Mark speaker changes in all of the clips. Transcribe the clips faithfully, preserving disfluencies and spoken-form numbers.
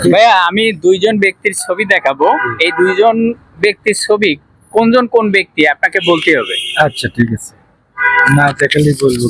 Speaker 1: ভাইয়া আমি দুইজন ব্যক্তির ছবি দেখাবো, এই দুইজন ব্যক্তির ছবি কোনজন কোন ব্যক্তি আপনাকে বলতে হবে।
Speaker 2: আচ্ছা ঠিক আছে, না দেখালেই বলবো।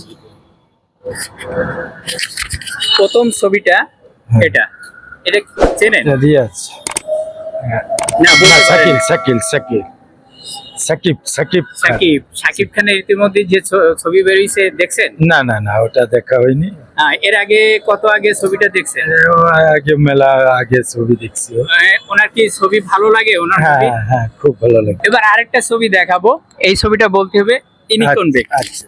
Speaker 1: প্রথম ছবিটা এটা এটা চেনেন?
Speaker 2: রিয়াজ
Speaker 1: না, বলতে পারেন।
Speaker 2: শাকিল শাকিল শাকিল সাকিব সাকিব খান।
Speaker 1: সাকিব সাকিব খানের ইতিমধ্যে যে ছ- ছবি বেরিয়েছে দেখছেন?
Speaker 2: না না না ওটা দেখা হয়নি।
Speaker 1: হ্যাঁ, এর আগে কত আগে ছবিটা দেখছেন?
Speaker 2: ও আগে মেলা আগে ছবি দেখছি।
Speaker 1: আহ, ওনার কি ছবি ভালো লাগে ওনার
Speaker 2: হ্যাঁ
Speaker 1: ছবি?
Speaker 2: হ্যাঁ খুব ভালো লাগে।
Speaker 1: এবার আরেকটা ছবি দেখাবো, এই ছবিটা বলতে হবে ইনি কোন ব্যক্তি।
Speaker 2: আচ্ছা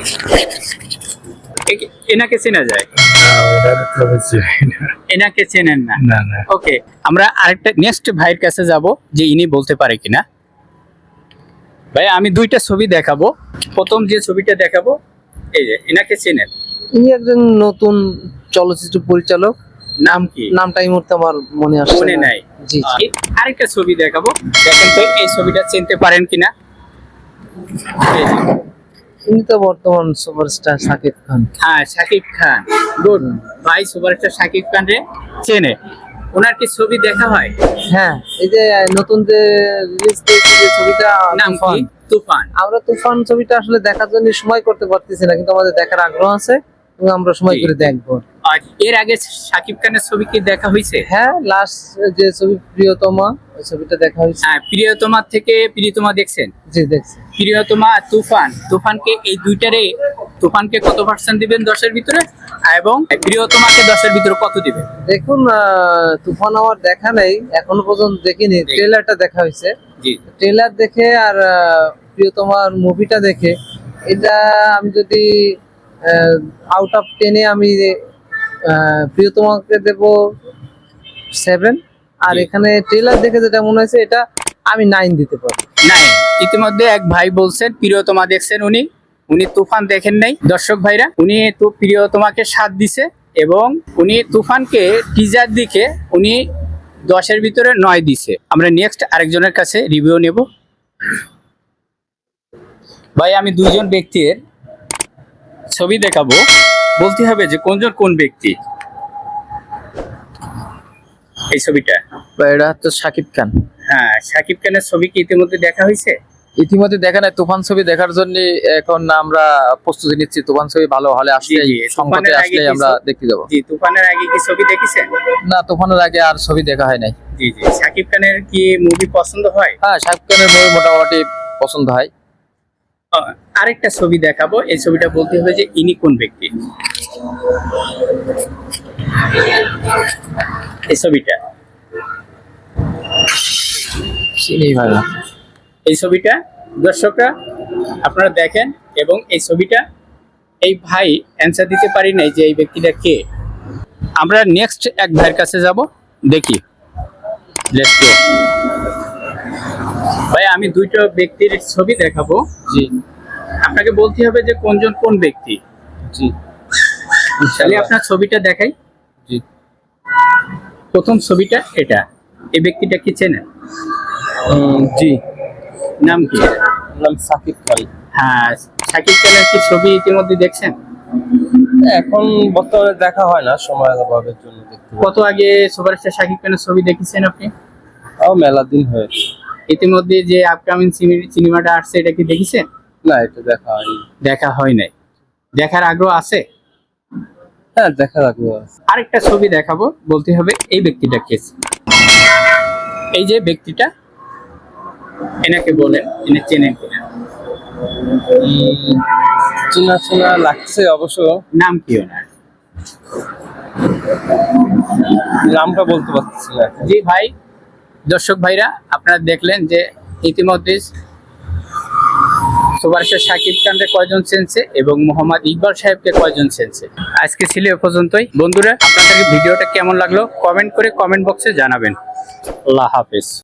Speaker 1: এ- এনাকে চেনা যায়?
Speaker 2: না, ওটা তো বুঝছি না।
Speaker 1: এনাকে চেনেন না?
Speaker 2: না না
Speaker 1: ওকে, আমরা আরেকটা নেক্সট ভাইয়ের কাছে যাব যে ইনি বলতে পারে কিনা। ভাই আমি দুইটা ছবি দেখাবো, প্রথম যে ছবিটা দেখাবো এই যে এনাকে চেনেন?
Speaker 3: ইনি একজন নতুন চলচ্চিত্র পরিচালক।
Speaker 1: নাম কি?
Speaker 3: নামটা এই মুহূর্তে আমার মনে আসছে
Speaker 1: মনে
Speaker 3: না।
Speaker 1: নাই?
Speaker 3: জি জি।
Speaker 1: এই আরেকটা ছবি দেখাবো, দেখেন তো এই ছবিটা চিনতে পারেন কিনা। এই যে,
Speaker 3: ইনি তো বর্তমান সুপারস্টার শাকিব খান।
Speaker 1: হ্যাঁ শাকিব খান। গুড, ভাই সুপারস্টার শাকিব খান রে চেনে। ওনার কি ছবি দেখা হয়?
Speaker 3: হ্যাঁ, এই যে নতুন যে রিলিজ পেয়েছে যে ছবিটা
Speaker 1: নাম কি?
Speaker 3: তুফান।
Speaker 1: তুফান।
Speaker 3: আমরা তুফান ছবিটা আসলে দেখার জন্য সময় করতে পারতেছি না, কিন্তু আমাদের দেখার আগ্রহ আছে এবং আমরা সময়
Speaker 1: জি।
Speaker 3: করে দেখবো।
Speaker 1: আর এর আগে শাকিব খানের ছবি কি দেখা হয়েছে?
Speaker 3: হ্যাঁ, লাস্ট যে ছবি প্রিয়তমা, ওই ছবিটা দেখা হয়েছে।
Speaker 1: হ্যাঁ, প্রিয়তমা থেকে প্রিয়তমা দেখছেন?
Speaker 3: জি দেখছি।
Speaker 1: প্রিয়তমা আর তুফান, তুফানকে এই দুইটারে তুফানকে কত পার্সেন্ট দিবেন দশের ভিতরে, এবং প্রিয়তমাকে দশের ভিতরে কত দিবেন?
Speaker 3: দেখুন, আহ, তুফান আমার দেখা নেই, এখনো পর্যন্ত দেখিনি। ট্রেলারটা দেখা হয়েছে।
Speaker 1: জি
Speaker 3: ট্রেলার দেখে আর আহ, প্রিয়তমার মুভিটা দেখে এটা আমি যদি আউট অফ টেনে আমি আহ, প্রিয়তমাকে দেব সেভেন, আর
Speaker 1: জি।
Speaker 3: এখানে ট্রেলার দেখে যেটা মনে হয়েছে এটা আমি নাইন দিতে পারি।
Speaker 1: নাই, ইতিমধ্যে এক ভাই বলছেন প্রিয়তমা দেখছেন উনি, উনি তুফান দেখেন নাই। দর্শক ভাইরা, উনি তো প্রিয়তমাকে সাত দিছে এবং উনি তুফানকে টিজার দিকে উনি দশের ভিতরে নয় দিছে। আমরা নেক্সট আরেকজনের কাছে রিভিউ নেব। ভাই আমি দুইজন ব্যক্তির ছবি দেখাবো, বলতে হবে যে কোনজন কোন ব্যক্তি। এই ছবিটা
Speaker 4: এটা হচ্ছে শাকিব খান।
Speaker 1: হ্যাঁ শাকিব খানের ছবি কি ইতিমধ্যে দেখা হয়েছে?
Speaker 4: ইতিমধ্যে দেখা নাই, তুফান ছবি দেখার জন্য এখন আমরা প্রস্তুতি নিচ্ছি। তুফান ছবি ভালো হলে আসলে
Speaker 1: জি, জি,
Speaker 4: সংকটে
Speaker 1: তুফানের আগে
Speaker 4: আসলে
Speaker 1: কি
Speaker 4: আমরা
Speaker 1: ছবি-
Speaker 4: দেখতে যাবো।
Speaker 1: জি, তুফানের আগে কি ছবি দেখেছেন?
Speaker 4: না, তুফানের আগে আর ছবি দেখা হয় নাই।
Speaker 1: জি জি। শাকিব খানের কি মুভি পছন্দ হয়?
Speaker 4: হ্যাঁ, শাকিব খানের মুভি মোটামুটি পছন্দ হয়।
Speaker 1: আহ, আরেকটা ছবি দেখাবো, এই ছবিটা বলতে হবে যে ইনি কোন ব্যক্তি। এই ছবিটা
Speaker 4: চিনি ভাই না।
Speaker 1: এই ছবিটা দর্শকরা আপনারা দেখেন, এবং এই ছবিটা এই ভাই অ্যান্সার দিতে পারি নাই যে এই ব্যক্তিটা কে। আমরা নেক্সট এক ভাইয়ের কাছে যাব, দেখি। Let's go. ভাই আমি দুইটা ব্যক্তির ছবি দেখাবো,
Speaker 4: জি
Speaker 1: আপনাকে বলতে হবে যে কোনজন কোন ব্যক্তি।
Speaker 4: জি
Speaker 1: তাহলে আপনার ছবিটা দেখাই।
Speaker 4: জি।
Speaker 1: প্রথম ছবিটা এটা, এই ব্যক্তিটা কি চেনেন?
Speaker 4: উম, জি।
Speaker 1: নাম কি?
Speaker 4: নাম শাকিব খান।
Speaker 1: হ্যাঁ, শাকিব খানের কি ছবি ইতিমধ্যে দেখছেন?
Speaker 4: এখন বর্তমানে দেখা হয় না, সময়ের অভাবের জন্য দেখতে পাই।
Speaker 1: কত আগে সুপারস্টার শাকিব খানের ছবি দেখেছেন আপনি?
Speaker 4: তাও মেলা দিন হয়েছে।
Speaker 1: ইতিমধ্যে যে আপকামিং সিনেমাটা আসছে এটা কি দেখেছেন?
Speaker 4: না, এটা দেখা হয়নি।
Speaker 1: দেখা হয় নাই, দেখার আগ্রহ আছে?
Speaker 4: হ্যাঁ, দেখা রাখবো।
Speaker 1: আরেকটা ছবি দেখাবো, বলতে হবে এই ব্যক্তিটা কে। এই যে ব্যক্তিটা, এনাকে বলেন এনে চেনেন কিনা।
Speaker 4: চেনা চেনা লাগছে অবশ্য।
Speaker 1: নাম কি ওনার?
Speaker 4: নামটা বলতে পারছি না।
Speaker 1: জি ভাই, দর্শক ভাইরা আপনারা দেখলেন যে ইতিমধ্যে সুপারস্টার শাকিব খানকে কয়জন চেনছে এবং মোহাম্মদ ইকবাল সাহেবকে কয়জন চেনছে। আজকে ছিল এ পর্যন্তই। বন্ধুরা, আপনাদের ভিডিওটা কেমন লাগলো কমেন্ট করে কমেন্ট বক্সে জানাবেন। আল্লাহ হাফেজ।